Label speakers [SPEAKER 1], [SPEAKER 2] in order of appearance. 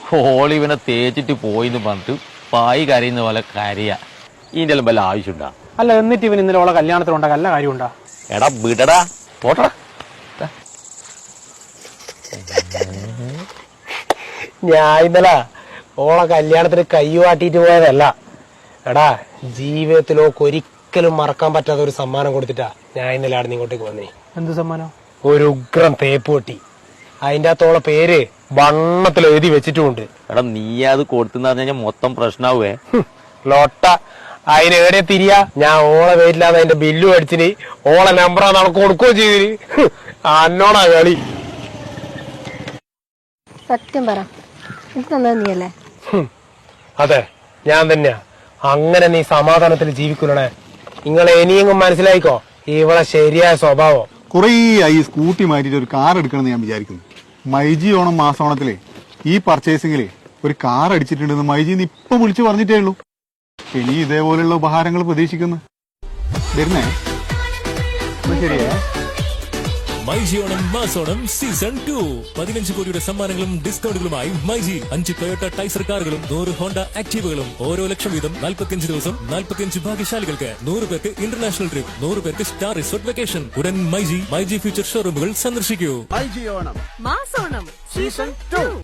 [SPEAKER 1] ഓളിവനെ തേച്ചിട്ട് പോയിന്ന് പറഞ്ഞിട്ട് പായി കരയുന്ന പോലെ കരയാ. ഇതിന്റെ എല്ലാം വല്ല ആവശ്യമുണ്ടാ?
[SPEAKER 2] അല്ല, എന്നിട്ട് ഇവൻ ഇന്നലെ ഓളെ കല്യാണത്തിനുണ്ടാ നല്ല കാര്യമുണ്ടാ?
[SPEAKER 1] എടാ വിടടാ, പോട്ടടാ.
[SPEAKER 2] ഞാൻ ഇന്നലെ ഓളെ കല്യാണത്തിന് കയ്യുവാട്ടിട്ട് പോയതല്ല. എടാ, ജീവിതത്തിലോക്ക് ഒരിക്കലും മറക്കാൻ പറ്റാത്ത ഒരു സമ്മാനം കൊടുത്തിട്ടാ ഞാൻ ഇന്നലെ അവിടെ ഇങ്ങോട്ടേക്ക് വന്നേ. എന്ത് സമ്മാനം? ഒരു ഉഗ്രം തേപ്പ് പൊട്ടി. അതിന്റെ അകത്തോളെ പേര് വണ്ണത്തിൽ എഴുതി വെച്ചിട്ടുമുണ്ട്.
[SPEAKER 1] എടാ നീ അത് കൊടുത്തെന്ന് പറഞ്ഞാൽ മൊത്തം പ്രശ്നാവേ.
[SPEAKER 2] ലോട്ട അതിന് എവിടെ തിരിയാ? ഞാൻ ഓളെ പേരില്ലാതെ അതിന്റെ ബില്ല് അടിച്ചിന്, ഓളെ നമ്പറാ നമുക്ക് കൊടുക്കുകയും ചെയ്തിന്. അന്നോടാ കളി.
[SPEAKER 3] സത്യം പറ, ഇത് തന്നത് നീയല്ലേ?
[SPEAKER 2] അതെ, ഞാൻ തന്നെയാ. അങ്ങനെ നീ സമാധാനത്തിൽ ജീവിക്കൂലേ? നിങ്ങളെ ഇനിയെങ്കിലും മനസ്സിലായിക്കോ ഇവളെ ശരിയായ സ്വഭാവം.
[SPEAKER 4] കുറേ ആയി സ്കൂട്ടി മാറ്റിട്ട് ഒരു കാർ എടുക്കണമെന്ന് ഞാൻ വിചാരിക്കുന്നു. മൈജി ഓണം മാസോണത്തിലെ ഈ പർച്ചേസിംഗില് ഒരു കാർ അടിച്ചിട്ടുണ്ടെന്ന് മൈജിന്ന് ഇപ്പൊ വിളിച്ചു പറഞ്ഞിട്ടേ ഉള്ളൂ. ഇനി ഇതേപോലെയുള്ള ഉപഹാരങ്ങൾ പ്രതീക്ഷിക്കുന്നു. വരുന്നേ ശരിയേ?
[SPEAKER 5] മൈജി ഓണം മാസോണം സീസൺ 2 15 കോടിയുടെ സമ്മാനങ്ങളും ഡിസ്കൗണ്ടുകളുമായി മൈജി 5 ടൊയോട്ട ടൈസർ കാറുകളും 100 ഹോണ്ട ആക്ടീവകളും ഓരോ ലക്ഷം വീതം 45 ദിവസം 45 ഭാഗ്യശാലികൾക്ക് 100 പേർക്ക് ഇന്റർനാഷണൽ ട്രിപ്പ്, 100 പേർക്ക് സ്റ്റാർ റിസോർട്ട് വെക്കേഷൻ. ഉടൻ മൈജി ഫ്യൂച്ചർ ഷോറൂമുകൾ സന്ദർശിക്കൂ.
[SPEAKER 6] മൈജി ഓണം മാസോണം സീസൺ 2.